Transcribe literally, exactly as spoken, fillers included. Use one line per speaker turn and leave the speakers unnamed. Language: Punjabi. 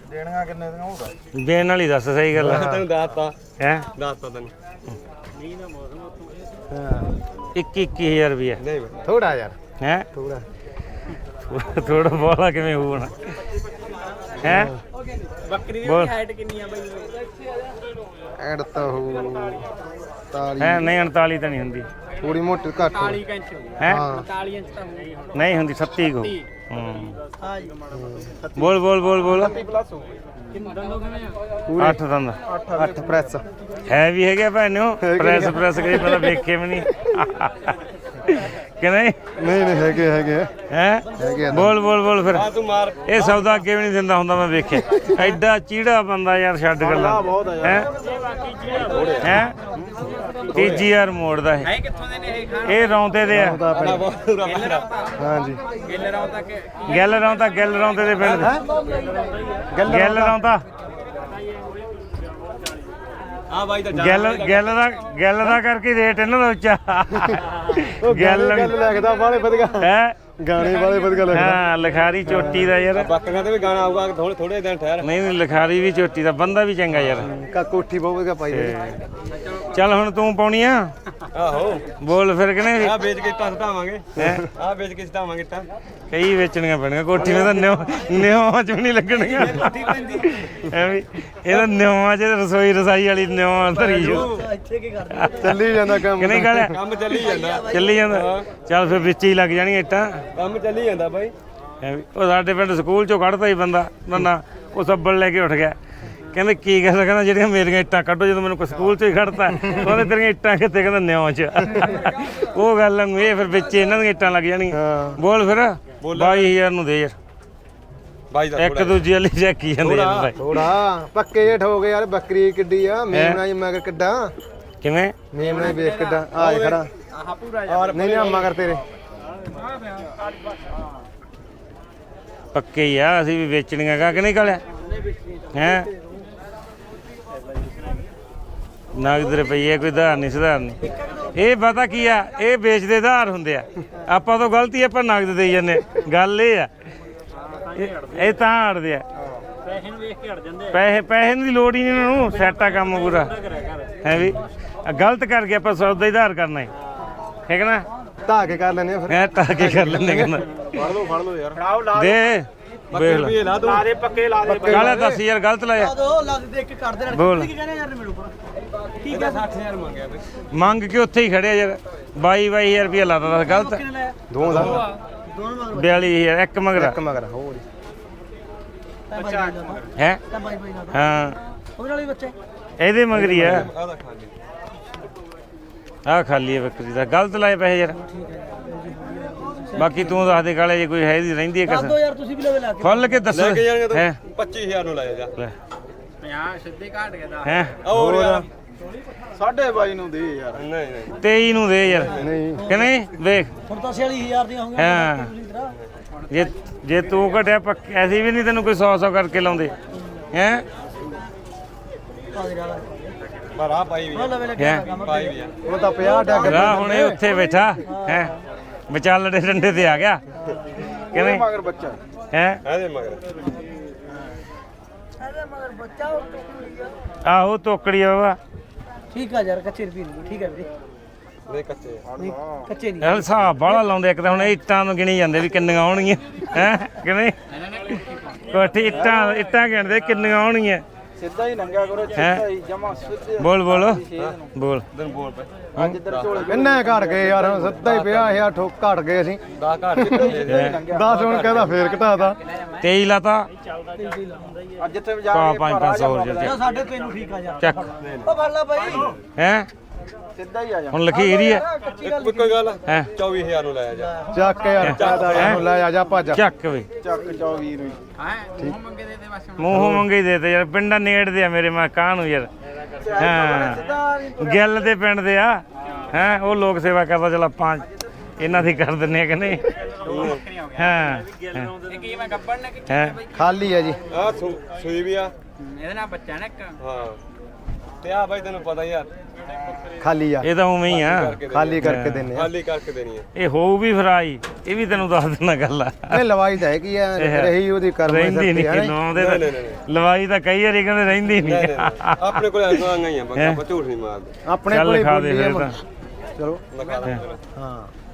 ਦੇਣੀਆਂ ਕਿੰਨੇ ਦੀਆਂ ਹੋਊਗਾ
ਦੇਣ ਵਾਲੀ ਦੱਸ ਸਹੀ ਗੱਲ ਆ
ਤੈਨੂੰ ਦੱਸਤਾ
ਹੈ
ਦੱਸਤਾ ਤੈਨੂੰ
ਇੱਕੀ ਇੱਕੀ ਹਜ਼ਾਰ ਰੁਪਏ
ਨਹੀਂ
ਥੋੜਾ ਯਾਰ
ਹੈ
ਥੋੜਾ
ਥੋੜਾ ਬੋਲਾ ਕਿਵੇਂ ਹੋਣਾ ਹੈ
ਬੱਕਰੀ ਦੀ ਹਾਈਟ ਕਿੰਨੀ ਆ ਬਾਈ
ਐਡ ਤਾਂ ਹੋ ਤਾਲੀ
ਹੈ ਨਹੀਂ ਉਨਤਾਲੀ ਤਾਂ ਨਹੀਂ ਹੁੰਦੀ
ਥੋੜੀ ਮੋਟੀ ਘੱਟ
ਚਾਲੀ ਇੰਚ
ਹੈ
ਚਾਲੀ ਇੰਚ ਤਾਂ ਹੋਊਗੀ
ਨਹੀਂ ਹੁੰਦੀ ਛੱਤੀ ਕੋ ਹੂੰ
ਹਾਂ ਜੀ
ਬੋਲ ਬੋਲ ਬੋਲ ਬੋਲ
ਪਲੱਸ ਹੋ
ਕਿੰਨੇ ਦੰਦੋਂ ਕਿਵੇਂ ਆ
ਅੱਠ ਦੰਦ
ਅੱਠ ਪ੍ਰੈਸ
ਹੈ ਵੀ ਹੈਗੇ ਭੈਣੋ ਪ੍ਰੈਸ ਪ੍ਰੈਸ ਕਰੀ ਪਹਿਲਾਂ ਵੇਖੇ ਵੀ ਨਹੀਂ ਕਿ ਨਹੀਂ
ਨਹੀਂ ਨਹੀਂ ਹੈਗੇ ਹੈਗੇ
ਹੈ ਬੋਲ ਬੋਲ ਬੋਲ ਫਿਰ
ਤੂੰ ਮਾਰ
ਇਹ ਸੌਦਾ ਅੱਗੇ ਵੀ ਨਹੀਂ ਦਿੰਦਾ ਹੁੰਦਾ ਮੈਂ ਵੇਖਿਆ ਐਡਾ ਚੀੜਾ ਬੰਦਾ ਯਾਰ ਛੱਡ ਗੱਲਾਂ ਹੈ ਹੈ ਤੀਜੀ ਯਾਰ ਮੋੜਦਾ ਇਹ
ਹੈ ਕਿੱਥੋਂ ਦੇ ਨੇ ਇਹ ਖਾਣ
ਇਹ ਰੌਂਤੇ ਦੇ ਆ
ਹਾਂਜੀ
ਗਿੱਲ ਰਾਉ ਤੱਕ
ਗੱਲ ਰੌਂਤਾ ਗੱਲ ਰੌਂਤੇ ਦੇ ਪਿੰਡ ਦੇ ਗੱਲ ਰੌਂਤਾ
ਆ ਬਾਈ ਤਾਂ
ਗੱਲ ਗੱਲ ਦਾ ਗੱਲ ਦਾ ਕਰਕੇ ਰੇਟ ਇਹਨਾਂ ਦਾ ਉੱਚਾ ਗੱਲ
ਗੱਲ ਲਿਖਦਾ ਬਾਲੇ ਵਧੀਆ
ਹੈ
ਗਾਣੇ ਵਾਲੇ ਵਧੀਆ ਲਿਖਦਾ
ਹਾਂ ਲਿਖਾਰੀ ਚੋਟੀ ਦਾ ਯਾਰ
ਬੱਕਰੀਆਂ ਤੇ ਵੀ ਗਾਣਾ ਆਊਗਾ ਥੋੜੇ ਥੋੜੇ ਦਿਨ ਠਹਿਰ
ਨਹੀਂ ਨਹੀਂ ਲਿਖਾਰੀ ਵੀ ਚੋਟੀ ਦਾ ਬੰਦਾ ਵੀ ਚੰਗਾ ਯਾਰ
ਕਾ ਕੋਠੀ ਬਹੁਤ ਵਧੀਆ ਪਾਈ ਹੋਈ।
ਚੱਲ ਹੁਣ ਤੂੰ ਪਾਉਣੀ ਆ
ਆਹੋ
ਬੋਲ ਫਿਰ ਕਿਨੇ
ਆ ਵੇਚ ਕੇ ਇੱਟਾਂ ਸਟਾਵਾਂਗੇ ਆ ਵੇਚ ਕੇ ਸਟਾਵਾਂਗੇ ਇੱਟਾਂ
ਕਈ ਵੇਚਣੀਆਂ ਪੈਣੀਆਂ ਕੋਠੀ ਵਿੱਚ ਤਾਂ ਨਿਉ ਨਿਉਆਂ ਚ ਵੀ ਨਹੀਂ ਲੱਗਣੀਆਂ ਐਵੇਂ ਇਹਦਾ ਨਿਉਆਂ ਚ ਰਸੋਈ ਰਸਾਈ ਵਾਲੀ ਨਿਉਆਂ ਧਰੀ ਜੋ
ਇੱਥੇ ਕੀ ਕਰਦੇ
ਚੱਲੀ ਜਾਂਦਾ ਕੰਮ
ਕਿ ਨਹੀਂ ਗਾਲਿਆ
ਕੰਮ ਚੱਲੀ ਜਾਂਦਾ
ਚੱਲੀ ਜਾਂਦਾ ਚੱਲ ਫਿਰ ਵਿੱਚ ਹੀ ਲੱਗ ਜਾਣੀਆਂ ਇੱਟਾਂ
ਕੰਮ ਚੱਲੀ ਜਾਂਦਾ ਬਾਈ
ਐਵੇਂ ਉਹ ਸਾਡੇ ਪਿੰਡ ਸਕੂਲ ਚੋਂ ਕੱਢਦਾ ਹੀ ਬੰਦਾ ਨਾ ਉਹ ਸੱਬਲ ਲੈ ਕੇ ਉੱਠ ਗਿਆ ਕਹਿੰਦੇ ਕੀ ਗੱਲ ਕਹਿੰਦਾ ਜਿਹੜੀਆਂ ਮੇਰੀਆਂ ਇੱਟਾਂ ਕੱਢੋ ਜਦੋਂ ਮੈਨੂੰ ਕੋਈ ਸਕੂਲ ਚੋਂ ਹੀ ਖੜਤਾ ਉਹਨੇ ਤੇਰੀਆਂ ਇੱਟਾਂ ਕਿੱਥੇ ਕਹਿੰਦਾ ਨਿਉਂ ਚ ਉਹ ਗੱਲ ਨੂੰ ਇਹ ਫਿਰ ਵਿੱਚ ਇਹਨਾਂ ਦੀਆਂ ਇੱਟਾਂ ਲੱਗ ਜਾਣੀਆਂ ਬੋਲ ਫਿਰ ਬਾਈ ਹਜ਼ਾਰ ਨੂੰ ਦੇ ਯਾਰ
ਬਾਈ ਦਾ
ਇੱਕ ਦੂਜੀ ਵਾਲੀ ਚੱਕੀ ਜਾਂਦੇ ਯਾਰ ਬਾਈ
ਥੋੜਾ ਪੱਕੇ ਜੇ ਠੋਕ ਯਾਰ ਬੱਕਰੀ ਕਿੱਡੀ ਆ ਮੇਮਣਾ ਜੀ ਮਗਰ ਕਿੱਡਾ
ਕਿਵੇਂ
ਮੇਮਣਾ ਵੇਖ ਕਿੱਡਾ ਆ ਜੇ ਖੜਾ
ਆਹ ਪੂਰਾ
ਨਹੀਂ ਨਹੀਂ ਮਗਰ ਤੇਰੇ
ਪੱਕੇ ਹੀ ਆ ਅਸੀਂ ਵੀ ਵੇਚਣੀਆਂ ਕਾ ਕਿ ਨਹੀਂ ਕਾਲਿਆ ਹੈ ਨਗਦ ਰੁਪਈਏ ਕੋਈ ਧਾਰ ਨਹੀਂ ਸੁਧਾਰ ਨਹੀਂ ਇਹ ਪਤਾ ਕੀ ਆ ਇਹ ਵੇਚਦੇ ਧਾਰ ਹੁੰਦੇ ਆ ਆਪਾਂ ਤੋਂ ਗਲਤੀ ਆਪਾਂ ਨਗਦ ਦੇਈ ਜਾਂਦੇ ਗੱਲ ਇਹ ਆ ਇਹ- ਇਹ ਤਾਂ ਹਟਦੇ ਆ
ਪੈਸੇ ਨੂੰ ਵੇਖ ਕੇ ਹਟ ਜਾਂਦੇ
ਪੈਸੇ ਪੈਸੇ ਦੀ ਲੋੜ ਹੀ ਨਹੀਂ ਉਹਨਾਂ ਨੂੰ ਸੈੱਟ ਆ ਕੰਮ ਪੂਰਾ ਹੈ ਵੀ ਆਹ ਗਲਤ ਕਰਕੇ ਆਪਾਂ ਸੌਦਾ ਹੀ ਧਾਰ ਕਰਨਾ ਹੈ ਠੀਕ ਨਾ
ਧਾ ਕੇ ਕਰ ਲੈਨੇ ਆ ਫਿਰ
ਐ ਤਾਂ ਕੇ ਕਰ ਲੈਂਦੇ ਕਹਿੰਦਾ
ਫੜ ਲਓ ਫੜ ਲਓ ਯਾਰ
ਫੜਾਓ ਲਾ
ਦੇ ਵੇਖ ਲੈ
ਰੁਪਏ ਲਾ ਦੋ
ਲਾ ਦੇ ਪੱਕੇ ਲਾ ਦੇ
ਕਾਲਾ ਦੱਸ ਯਾਰ ਗਲਤ ਲਾਇਆ
ਦੋ ਲੱਗ ਦੇ ਕੇ ਕਰਦੇ ਨੇ
ਬੋਲ
ਕੀ ਕਹਿੰਦੇ ਯਾਰ ਮੈਨੂੰ ਠੀਕ ਹੈ
ਸੱਠ ਹਜ਼ਾਰ ਮੰਗਿਆ ਬਈ
ਮੰਗ ਕੇ ਉੱਥੇ ਹੀ ਖੜਿਆ ਯਾਰ ਬਾਈ ਬਾਈ ਹਜ਼ਾਰ ਰੁਪਇਆ ਲਾਤਾ ਦੱਸ ਗਲਤ
ਕਿੰਨੇ ਲਾਇਆ
ਦੋ ਦਾ
ਦੋਨੋਂ ਮਗਰ
ਬਿਆਲੀ ਹਜ਼ਾਰ ਇੱਕ ਮਗਰਾ
ਇੱਕ ਮਗਰ ਹੋਰ
ਬੱਚਾ
ਹੈ
ਤਾਂ ਬਾਈ ਬਾਈ ਨਾਲ
ਹਾਂ
ਉਹਦੇ ਨਾਲ ਹੀ ਬੱਚੇ
ਇਹਦੇ ਮਗਰੀ ਆ
ਆਦਾ ਖਾਲੀ
ਆਹ ਖਾਲੀ ਹੈ ਬੱਕਰੀ ਦਾ ਗਲਤ ਲਾਏ ਪੈਸੇ ਯਾਰ ਬਾਕੀ ਤੂੰ ਦੱਸ ਦੇ ਕਾਲੇ ਜੇ ਕੋਈ ਹੈ ਦੀ ਰਹਿੰਦੀ ਹੈ
ਦੱਸ
ਕਸ
ਦੋ ਯਾਰ ਤੁਸੀਂ ਵੀ ਲਵੇ ਲਾ ਕੇ
ਖੁੱਲ ਕੇ ਦੱਸ
ਲੈ ਕੇ ਜਾਣਗੇ
ਹੈ
ਤੂੰ ਪੱਚੀ ਹਜ਼ਾਰ ਨੂੰ ਲਾਇਆ ਜਾ
ਪੰਜਾਹ ਸਿੱਧੇ ਘਾਟ ਗਿਆ ਦਾ
ਹੈ
ਹੋਰ ਯਾਰ
ਸਾਢੇ ਬਾਈ ਨੂੰ ਦੇ ਯਾਰ
ਨਹੀਂ ਨਹੀਂ
ਤੇਈ ਨੂੰ ਦੇ ਯਾਰ
ਨਹੀਂ
ਕਿ ਨਹੀਂ ਵੇਖ
ਹੁਣ ਤਾਂ ਛਿਆਲੀ ਹਜ਼ਾਰ ਦੀਆਂ ਹੋਣਗੀਆਂ
ਹਾਂ ਜੇ ਜੇ ਤੂੰ ਘਟਿਆ ਪੱਕ ਐਸੀ ਵੀ ਨਹੀਂ ਤੈਨੂੰ ਕੋਈ ਸੌ ਸੌ ਕਰਕੇ ਲਾਉਂਦੇ ਹੈ
ਪਰ ਆ ਪਾਈ ਵੀ ਆ,
ਲਵੇ ਲੱਗਿਆ
ਹੈ
ਕੰਮ
ਪਾਈ ਵੀ ਆ
ਉਹ ਤਾਂ ਪੰਜਾਹ ਡੱਗ
ਰਾ ਹੁਣ ਇਹ ਉੱਥੇ ਬੈਠਾ ਹੈ ਵਿਚਾਲੜੇ ਡੰਡੇ ਤੇ ਆ ਗਿਆ ਕਿਵੇਂ
ਮਗਰ ਬੱਚਾ
ਹੈ
ਇਹਦੇ ਮਗਰ
ਅਰੇ ਮਗਰ ਬੱਚਾ ਉਹ ਟੁਕੜੀ ਆ
ਆਹੋ ਤੋਕੜੀ ਆ ਬਾਬਾ
ਠੀਕ ਆ ਯਾਰ ਕੱਚੇ ਰੁਪਏ ਨਹੀਂ ਠੀਕ ਹੈ ਵੀਰੇ
ਨਹੀਂ ਕੱਚੇ
ਨਹੀਂ ਕੱਚੇ ਨਹੀਂ
ਇਹ ਹਿਸਾਬ ਬਾਹਲਾ ਲਾਉਂਦੇ ਇੱਕ ਤਾਂ ਹੁਣ ਇਹ ਇੱਟਾਂ ਨੂੰ ਗਿਣੀ ਜਾਂਦੇ ਵੀ ਕਿੰਨੀਆਂ ਆਉਣਗੀਆਂ ਹੈ ਕਿ ਨਹੀਂ ਕੋਠੀ ਇੱਟਾਂ ਇੱਟਾਂ ਗਿਣਦੇ ਕਿੰਨੀਆਂ ਆਉਣਗੀਆਂ
ਸਿੱਧਾ ਹੀ ਨੰਗਾ ਕਰੋ
ਹੈ
ਜਮਾ ਸਿੱਧੇ
ਬੋਲ ਬੋਲ ਬੋਲ
ਦਿਨ ਬੋਲ ਪਏ
ਅੱਜ ਇੱਧਰ ਝੋਲੇ ਕਿੰਨੇ ਘਟ ਗਏ ਯਾਰ ਹੁਣ ਸਿੱਧਾ ਹੀ ਪੰਜਾਹ ਹਜ਼ਾਰ ਠੋਕ ਘਟ ਗਏ ਅਸੀਂ
ਦਸ ਘਾਟ ਦੇ ਦੇ
ਦਸ ਹੁਣ ਕਹਿੰਦਾ ਫੇਰ ਘਟਾਤਾ
ਤੇਈ ਲਾਤਾ
ਅੱਜ ਜਿੱਥੇ ਵੀ
ਪਾ ਪੰਜ ਪੰਜ ਸੌ ਰੁਪਏ
ਸਾਡੇ ਤੈਨੂੰ ਠੀਕ ਆ ਯਾਰ
ਚੱਕ
ਉਹ ਫੜ ਲੈ ਬਾਈ
ਹੈ
ਸਿੱਧਾ ਹੀ ਆ ਜਾ
ਹੁਣ ਲਖੀਰ ਹੀ ਹੈ
ਇੱਕ ਕੋਈ ਗੱਲ
ਹੈ
ਚੌਵੀ ਹਜ਼ਾਰ ਨੂੰ ਲਾਇਆ ਜਾ
ਚੱਕ ਯਾਰ ਚਾਹਦਾ ਯਾਰ ਲੈ ਆ ਜਾ ਭੱਜ
ਚੱਕ ਵੇ
ਚੱਕ ਚੌਵੀ ਨੂੰ
ਹਾਂ ਮੂੰਹ ਮੰਗੇ ਦੇ ਦੇ ਬਸ
ਮੂੰਹ ਮੰਗੇ ਦੇ ਤੇ ਯਾਰ ਪਿੰਡਾਂ ਨੇੜਦੇ ਆ ਮੇਰੇ ਮੈਂ ਕਾਹ ਨੂੰ ਯਾਰ ਹਾਂ ਗਿੱਲ ਦੇ ਪਿੰਡ ਦੇ ਆ ਹੈ ਉਹ ਲੋਕ ਸੇਵਾ ਕਰਦਾ ਚਲ ਆਪਾਂ ਇਹਨਾਂ ਦੀ ਕਰ ਦਿੰਨੇ ਆ ਕਿ ਨਹੀਂ ਹਾਂ
ਇਹ ਕੀ ਮੈਂ ਗੱਬੜ ਨੇ ਕਿ
ਹੈ
ਖਾਲੀ ਆ ਜੀ
ਆ ਸੂਈ ਵੀ ਆ
ਇਹਦੇ ਨਾਲ ਬੱਚਾ ਨੇ ਇੱਕ
ਹਾਂ ਤੇ ਆ ਬਾਈ ਤੈਨੂੰ ਪਤਾ ਯਾਰ
ਖਾਲੀ ਆ
ਇਹ ਤਾਂ ਉਵੇਂ ਹੀ ਆ
ਖਾਲੀ ਕਰਕੇ ਦਿੰਨੇ ਆ
ਖਾਲੀ ਕਰਕੇ ਦੇਣੀ ਹੈ
ਇਹ ਹੋਊ ਵੀ ਫਰਾਈ ਇਹ ਵੀ ਤੈਨੂੰ ਦੱਸ ਦਿੰਦਾ ਗੱਲ ਆ
ਇਹ ਲਵਾਈ ਤਾਂ ਹੈ ਕੀ ਆ ਰਹੀ ਉਹਦੀ ਕਰਮ
ਰਹਿੰਦੀ ਨਹੀਂ ਲਾਉਂਦੇ ਤਾਂ ਲਵਾਈ ਤਾਂ ਕਈ ਵਾਰੀ ਕਹਿੰਦੇ ਰਹਿੰਦੀ ਨਹੀਂ
ਆਪਣੇ ਕੋਲ ਆਈਆਂ ਹੀ ਆ ਬੰਦਾ ਝੂਠ ਨਹੀਂ ਮਾਰਦੇ
ਆਪਣੇ
ਚੱਲ
ਕੋਲੇ
ਲਿਖਾ ਦੇ
ਬੋਲੀ ਆ
ਫਿਰ ਤਾਂ
ਚਲੋ
ਲਿਖਾ ਦੇ
ਹਾਂ